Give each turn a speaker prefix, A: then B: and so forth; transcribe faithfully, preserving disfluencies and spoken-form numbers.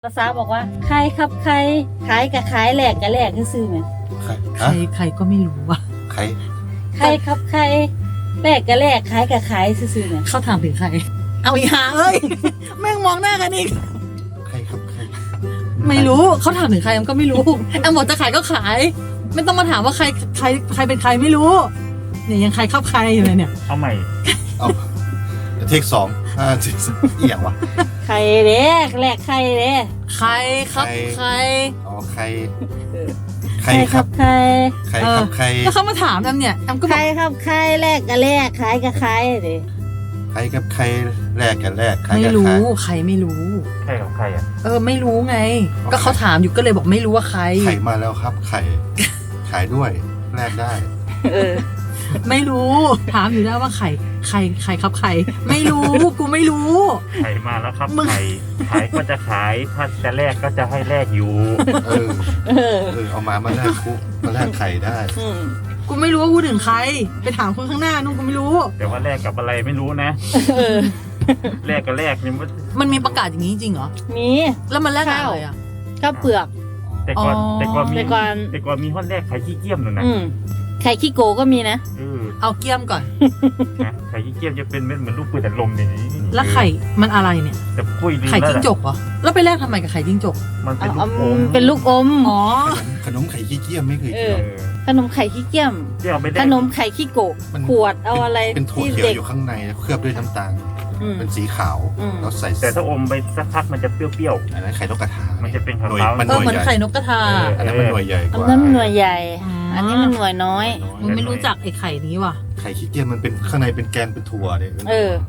A: ภาษาบอกว่าใครครับใครขายกับขายแหลกกับแหลกซื้อไหม
B: ใคร
C: ใคร
B: ฮะ
C: ใครก็ไม่รู้ว่ะ
B: ใคร
A: ใครครับใครแหลกกับแหลกขายกับขายซื้อไหม
C: เขาถามถึงใคร เอาอีหาเอ้ย แม่งมองหน้ากันอีก
B: ใครครับใคร
C: ไม่รู้เขาถามถึงใครแอมก็ไม่รู้แอมบอกจะขายก็ขาย ไม่ต้องมาถามว่าใครใครใครเป็นใครไม่รู้เนี่ยยังใครครับใครอยู่เลยเนี่ย
D: เอาใหม่
B: เอาเทคสองห้าสี่สามเอี่ยงวะ
A: ใครเด้แหลกใครเด้
C: ใครครับ
B: ใคร
C: ใคร
B: อ๋อใคร ใค
A: ใค
B: ร
A: ร
B: ค
A: ค
B: รั
A: รั
B: บบ
A: ใคร
B: ใครครับใคร
C: แล้วเขามาถามแอมเนี่ยแอมก็บ
A: ใค
C: อ
A: ร
C: ก
A: ครับใครแหลกกับแหลกขายกับขายเด้
B: ใครครับใครแลกกันแลกใคร
C: ไม่
B: กัน
C: รู้
B: ใคร
C: ใครไม่รู้
D: ใครของใครอ่ะ
C: เออไม่รู้ไง
B: โอเค
C: ก็เขาถามอยู่ก็เลยบอกไม่รู้ว่าใคร
B: ไข่มาแล้วครับไข่ขายด้วยแลกได้
A: เออ
C: ไม่รู้ ถามอยู่ได้ว่าใครใครใครครับใคร ไม่รู้กูไม่รู้
D: ไข่มาแล้วครับ
C: มึง
D: ไข่ขายก็จะขายถ้าจะแลกก็จะให้แลกอยู่
B: เออ
A: เออ
B: เออเอามามาแลกคุมาแลกไข่ได้
A: อืม
C: กูไม่รู้ว่ากูถึงใคร ไปถามคนข้างหน้านู่นกูไม่รู้
D: แต่ว่าแลกกับอะไรไม่รู้นะ
A: เออ
D: แลกกับแลกนี่มัน
C: มันมีประกาศอย่างนี้จริงเหรอ
A: มี
C: แล้วมันแลกกับอะไรอ่ะ
A: ข้าวเปลือก
D: แต่ก่อน
C: อ๋อ
D: แต่ก่อนมี
A: แต่ก่อน
D: แต่ก่อนมีห้อนแลกไข่ขี้เกียมหนูนะ
A: อืมไข่ขี้โกก็มีนะ
D: เออ
C: เอาเกี้ยมก่อน
D: นะไข่ขี้เกียมจะเป็นเม็ดเหมือนลูกปืนอัดลมอย่างนี้
C: แล้วไข่มันอะไรเนี่ย
D: แต่ปุ้ยลืม
C: ไข่
D: แล้ว
C: จิ้งจ
D: ล่ะ
C: กเหรอ แล้วไปแลกทำไมกับไข่จิ้งจก
D: มันเป็
A: เอา
D: นลู
A: เอา
D: กอม
A: เป็นลูกอม
C: อ๋อ
B: ขนมไข่ขี้เกียจไม่เคย
A: เอ
B: กิน
A: อ
B: หรอก
D: เออ
A: ขนมไข่ขี้เกียม
D: ที่เอาไปแล
A: ข
D: ก
A: นมไข่ขี้โกะ
B: มัน
A: ขวดเอาอะไร
B: เป็นถั่ว
A: ที่
B: เขียว
A: เด็ก
B: อยู่ข้างในเคลือบด้วยน้ำตาล
A: อืม
B: เป็นสีขาว
A: อืม
B: แล้วใส่
D: แต่ถ้าอมไปสักพักมันจะเปรี้ยว
B: อันนั้นไข่นกกระทา
D: มันจะเป็นขาวๆ
B: หน่วยมัน
C: เอ
B: ห
C: อ
B: น่วย
C: เหมือน
B: ใหญ่
C: ไข่นกกระทา
D: เออ
B: อันนั้นมันหน่วยใหญ่ก
A: อัน
B: ว่า
A: นั้นมันหน่วยใหญ่
C: อ๋ออั
A: อันนี้มันหน่วยน้อย
C: มึงไม่รู้จักไอ้ไข่นี้ว่ะ
B: ไข่ขี้เกียจมันเป็นข้างในเป็นแกนเป็นถั่วเนี่ย
A: เออ